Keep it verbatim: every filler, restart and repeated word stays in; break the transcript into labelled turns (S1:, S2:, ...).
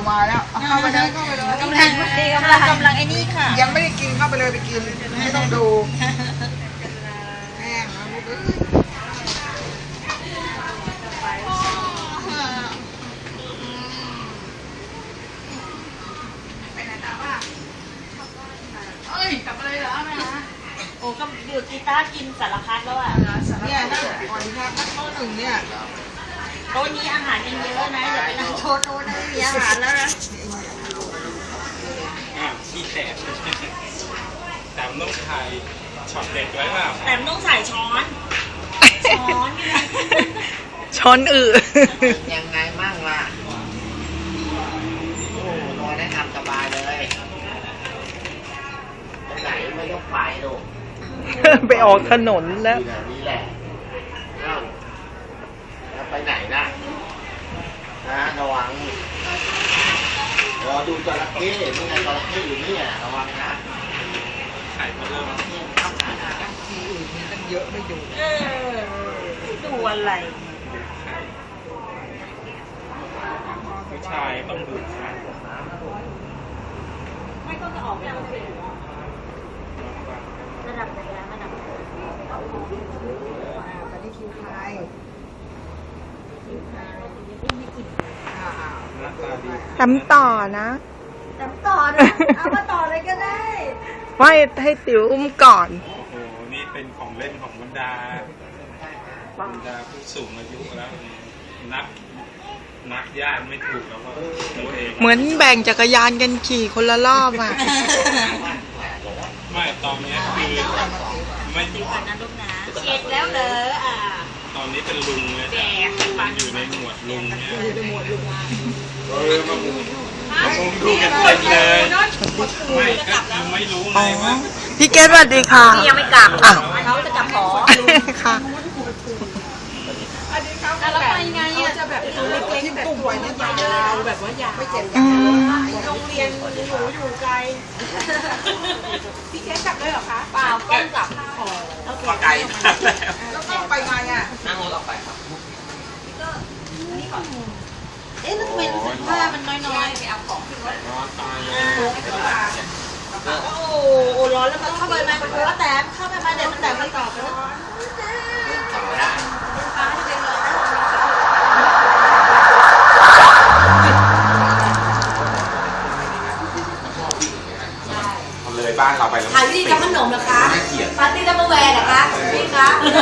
S1: มาแล้วเข้าไปเลยเข้าไปเลย
S2: กำลังกำลังกำลังไอ้นี่ค่ะ
S1: ยังไม่ได้กินเข้าไปเลยไปกินไม่ต้องดูแห้งแล้วลูกเอ้ยไปไหนต่อป่ะเอ้ยกลับมาเลยเหรอแม่ฮะ
S2: โอ้ก็ดูกีตาร์กินสารพัดแล้วอ่ะ
S1: เนี่ยนั่งก่อนครับนั่งโต๊ะหนึ่งเนี่ย
S2: โต๊ะนี้อาหารยังเยอะนะอย่าไปนั่งโต๊ะโต๊ะนั้นไม่มีอาหารแล้วนะ
S3: อ่าขี้แตกแต่มันต้องถ่ายช็อตเด็ดไว้เปล่า
S2: แต่มันต้องใส่ช้อนช้อน
S4: ช้อนอือ
S5: ยังไงมั่งล่ะโอ้นอนได้ทำสบายเลยไปไหนไม่ต้องไปลูก
S4: ไปออกถนนแล้ว
S5: นี่แหละเอ้าแล้วไปไหนนะนะระวังรอดูจระเข้นี่ไงจระเข้อยู่นี่อ่ะระวังนะ
S3: ถ่ายมาเริ่ม
S1: ที่อื่นมีตั้งเยอะไม่ดู
S2: เออดูอะไร
S3: ผู้ชายต้องดูขา
S2: ไม่ก็จะออกแบบระดับไหนแล้วระดับ
S1: ตอนนี้คิวใครคิวใครอ่า
S3: หน้าตาดี
S4: ทำต่อนะ
S2: จำต่อนะเอามาต่อเลยก็ได้
S4: ไม่ให้ติ๋วอุ้มก่อน
S3: โอ้โห นี่เป็นของเล่นของบรรดาบรรดาผู้สูงอายุแล้วนับนับญาติไม่ถูกแล้วว่าตัวเอง
S4: เหมือนแบ่งจักรยานกันขี่คนละรอบอ่ะ
S3: ไม่ตอนนี้คือไม่
S2: ดูก่อนนะลูกนะเช็ดแล้วเหรออ่า
S3: ตอนนี้เป็นลุงเลย
S2: แดก
S3: อยู่ในหมวดลุงเนี่ย
S1: หมวดลุง
S3: เออมามุงมามุงดูกันเต็มเลยไม่ก็คือไม่รู้ไงว่า
S4: พี่เกดสวัสดีค่ะ
S2: นี่ยังไม่กลับ
S4: อ้าว
S2: เขาจะกลับหอ
S4: ค่ะ
S1: อันนี้เขาแล้วไปไงอ่ะจะแบบตัวเล็กๆแบบตัวเนี่ยยาวแบบว่ายาวไม่เจ็บ
S4: อืม
S1: โรงเรียนหนูอยู่ไกลพี่เจ๊กลับด้วยเหรอคะ
S2: เปล่าก้มกลับ
S3: ปลาไก่มาแล้ว
S1: แล้วก็ไปไงอ่ะ
S5: นั่งรถออกไปครับ
S2: เอ๊ะแล้วทำไมรู้สึกว่ามันน้อยๆไปเอาของขึ้นรถ
S3: นอนตายเลย
S2: โอ้โหร้อนแล้วมันเข้าไปไหมมันร้อนแต่เข้าไปมาเดี๋ยวมันแต่มันต่อไปแล้ว
S5: ต่อได้
S3: เลยบ้านเราไปแล้ว
S6: ปาร์ตี้ทำขนมเหรอคะปาร์ตี้ทำมาแวร์เหรอคะพี่คะ